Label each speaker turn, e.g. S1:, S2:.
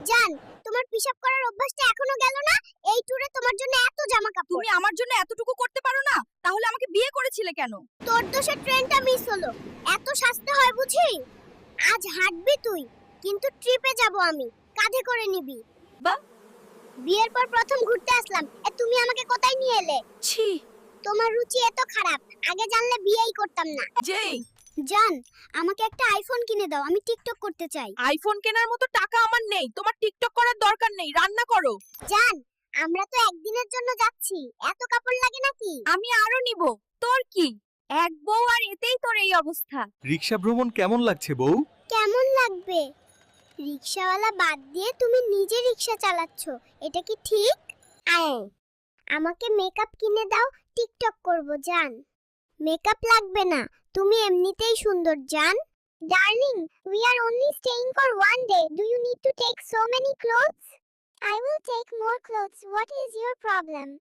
S1: জান, তোমার পিশাব করার অভ্যাসটা এখনো গেল না? এই ট্যুরে তোমার জন্য এত জামা কাপড়।
S2: তুমি আমার জন্য এতটুকু করতে পারো না? তাহলে আমাকে বিয়ে করেছিলে কেন?
S1: তোর দোষে ট্রেনটা মিস হলো। এত সাজতে হয় বুঝি? আজ হাঁটবি তুই, কিন্তু ট্রিপে যাব আমি। কাঁধে করে নিবি।
S2: বাহ!
S1: বিয়ের পর প্রথম ঘুরতে আসলাম। তুমি আমাকে কোথায় নিয়ে এলে?
S2: ছি,
S1: তোমার রুচি এত খারাপ। আগে জানলে বিয়েই করতাম না।
S2: যেই
S1: জান, আমাকে একটা আইফোন কিনে দাও। আমি টিকটক করতে চাই।
S2: আইফোন কেনার মতো টাকা আমার নেই। তোমার টিকটক করার দরকার নেই। রান্না করো।
S1: জান, আমরা তো একদিনের জন্য যাচ্ছি। এত কাপড় লাগে নাকি?
S2: আমি আরো নিব। তোর কি? এক বউ আর এতেই তোর এই অবস্থা।
S3: রিক্সা ভ্রমণ কেমন লাগছে বউ?
S1: কেমন লাগবে? রিকশাওয়ালা বাদ দিয়ে তুমি নিজে রিকশা চালাচ্ছ। এটা কি ঠিক? আমাকে মেকআপ কিনে দাও, টিকটক করব জান। মেকআপ লাগবে না, তুমি এমনিতেই সুন্দর জান। Darling, we are only staying for one day. Do you need to take so many clothes? I will take more clothes. What is your problem?